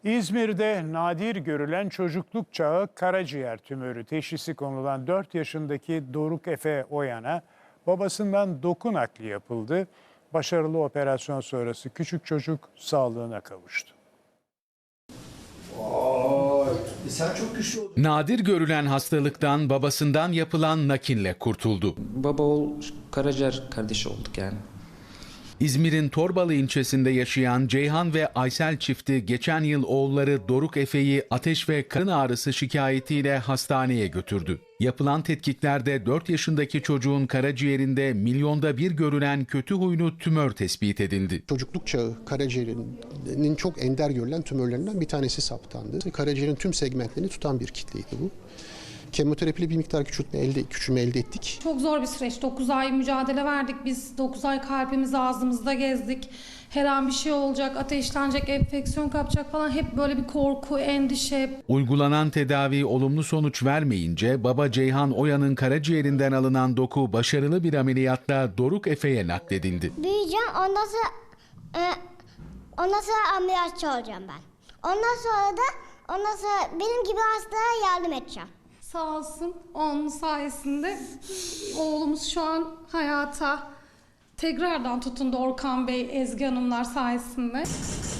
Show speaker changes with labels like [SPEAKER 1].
[SPEAKER 1] İzmir'de nadir görülen çocukluk çağı karaciğer tümörü teşhisi konulan 4 yaşındaki Doruk Efe Oyan'a babasından doku nakli yapıldı. Başarılı operasyon sonrası küçük çocuk sağlığına kavuştu.
[SPEAKER 2] Sen çok güçlü oldun.
[SPEAKER 3] Nadir görülen hastalıktan babasından yapılan nakille kurtuldu.
[SPEAKER 4] Baba oğul karaciğer kardeşi olduk yani.
[SPEAKER 3] İzmir'in Torbalı ilçesinde yaşayan Ceyhan ve Aysel çifti geçen yıl oğulları Doruk Efe'yi ateş ve karın ağrısı şikayetiyle hastaneye götürdü. Yapılan tetkiklerde 4 yaşındaki çocuğun karaciğerinde milyonda bir görülen kötü huylu tümör tespit edildi.
[SPEAKER 5] Çocukluk çağı karaciğerinin çok ender görülen tümörlerinden bir tanesi saptandı. Karaciğerin tüm segmentlerini tutan bir kitleydi bu. Kemoterapiyle bir miktar küçülme elde ettik.
[SPEAKER 6] Çok zor bir süreç. 9 ay mücadele verdik biz. 9 ay kalbimizi ağzımızda gezdik. Her an bir şey olacak, ateşlenecek, enfeksiyon kapacak falan. Hep böyle bir korku, endişe.
[SPEAKER 3] Uygulanan tedavi olumlu sonuç vermeyince baba Ceyhan Oya'nın karaciğerinden alınan doku başarılı bir ameliyatla Doruk Efe'ye nakledildi.
[SPEAKER 7] Büyüyeceğim, ondan sonra ameliyatçı olacağım ben. Ondan sonra benim gibi hastalara yardım edeceğim.
[SPEAKER 6] Sağ olsun onun sayesinde oğlumuz şu an hayata tekrardan tutundu Orkan Bey, Ezgi Hanımlar sayesinde.